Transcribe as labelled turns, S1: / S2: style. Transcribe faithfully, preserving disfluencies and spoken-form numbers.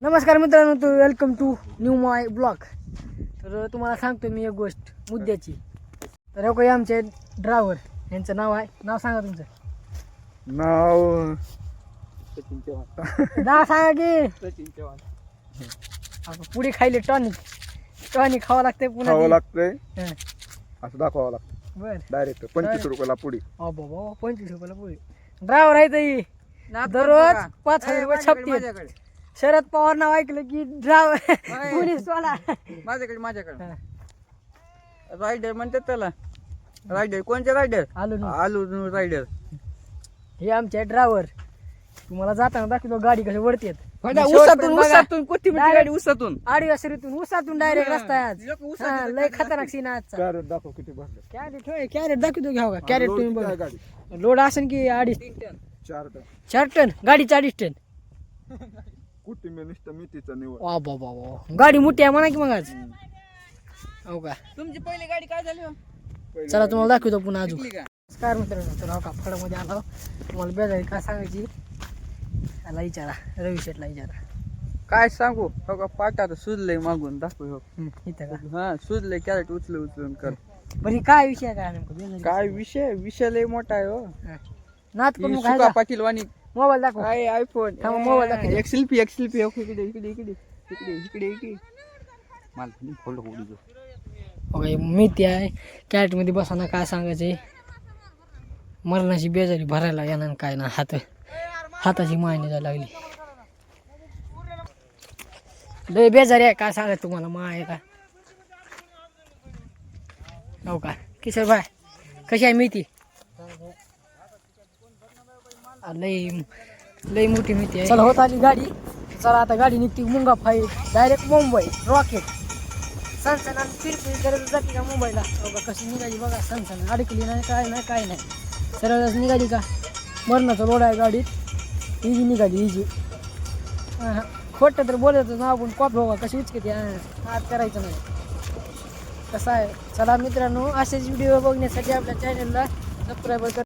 S1: नमस्कार मित्रांनो, तो welcome to new my blog. तर तुम्हाला सांगतो मी एक गोष्ट मुद्द्याची. तर हे काही आमचे ड्रायव्हर यांचं नाव आहे. नाव सांगा तुमचं.
S2: नाव
S3: सचिन चव्हाण.
S1: नाव सांगा की.
S3: सचिन चव्हाण.
S1: आपण पुढे खायले टॉनिक टॉनिक खावं लागतंय पुन्हा
S2: खावं
S1: ते.
S2: लागतंय
S1: हं.
S2: असं दाखवावं लागतं
S1: बर
S2: डायरेक्ट पंचवीस रुपयाला पुडी.
S1: अ बाबा पंचवीस रुपयाला पुढे ड्रायव्हर आहे ताई. दररोज पाच हजार रुपये छापते.
S3: माझ्याकडे
S1: शरद पवार नाव ऐकलं की ड्रायव्हर पोलीस वाला.
S3: माझ्याकडे माझ्याकडे रायडर म्हणतात त्याला. रायडर कोणते रायडर?
S1: आलो ना.
S3: आलू रायडर.
S1: हे आमचे ड्रायव्हर. तुम्हाला जाताना दाखवतो गाडी कशी वरती येत.
S3: उसातून उसातून कोथिंबीरची गाडी उसातून
S1: आडिवासरीतून उसातून डायरेक्ट रस्ता आहे आज.
S3: लोक उसात
S1: हा, लय खतरनाक सीन आहे आजचा.
S2: कॅरेट दाखव किती भरले.
S1: कॅरेट होय कॅरेट दाखवतो घ्या का कॅरेट
S2: लोड
S1: तुम्ही
S2: किती आहे
S1: बघा.
S2: गाडी?
S1: लोड असेल की अडीच
S3: तीन टन.
S2: चार टन.
S1: चार टन गाडीचं अडीच टन.
S2: कुठे निष्ठ मेथीचा निवड.
S1: वा बाबा बाबा गाडी मोठी आहे म्हणा की मग आज. हो का.
S3: तुमची पहिली गाडी काय झाली हो?
S1: चला तुम्हाला दाखवतो पुन्हा अजून.
S3: शिकली का?
S1: नमस्कार मित्रांनो, तर हो का फळामध्ये आलो. तुम्हाला बेजारी काय सांगायची याला विचारा, रवी शेटला विचारा.
S3: काय सांगू हो का पाटात सुजलंय मागून दाखव हो.
S1: हम्म, इथं का
S3: हा सुजलंय कॅरेट उचलून उचलून कर.
S1: बरं हे काय विषय आहे काय नेमकं बेजारी?
S3: काय विषय विषय लय मोठा आहे हो.
S1: हा. नाच करून
S3: ही
S1: काय
S3: सुका पाटील वाणी
S1: मोबाईल दाखव.
S3: काय आयफोन
S1: थांबा, मोबाईल दाखव.
S3: एक सेल्फी एक सेल्फी इकडे इकडे इकडे इकडे इकडे इकडे मला फोल्ड होऊ दे.
S1: ओके माहिती आहे कॅरेटमध्ये बसाना काय सांगायचे. मरणाची बेजारी भरायला येणार काय ना हात हाताची मायने जायला लागली. लय बेजारी आहे काय सांगायचं तुम्हाला. मा आहे का हो का किशोर भाई कशी आहे मेथी? लय लय मोठी मेथी आहे. चला होत आली गाडी. चला आता गाडी निघते मुंगा फाईट डायरेक्ट मुंबई रॉकेट. सनसन आणि फिरफिर करत जाते का मुंबईला. हो का कशी निघाली बघा. सनसन अडकली नाही काय नाही काय नाही सरळच निघाली का. मरणाचं रोड आहे गाडीत. इजी निघाली इजी. हां खोटं तर बोलायचं ना आपण कॉप बघा कशी उचकते. हात करायचं नाही कसं आहे. चला मित्रांनो असेच व्हिडिओ बघण्यासाठी आपल्या चॅनलला सबस्क्राईब करा.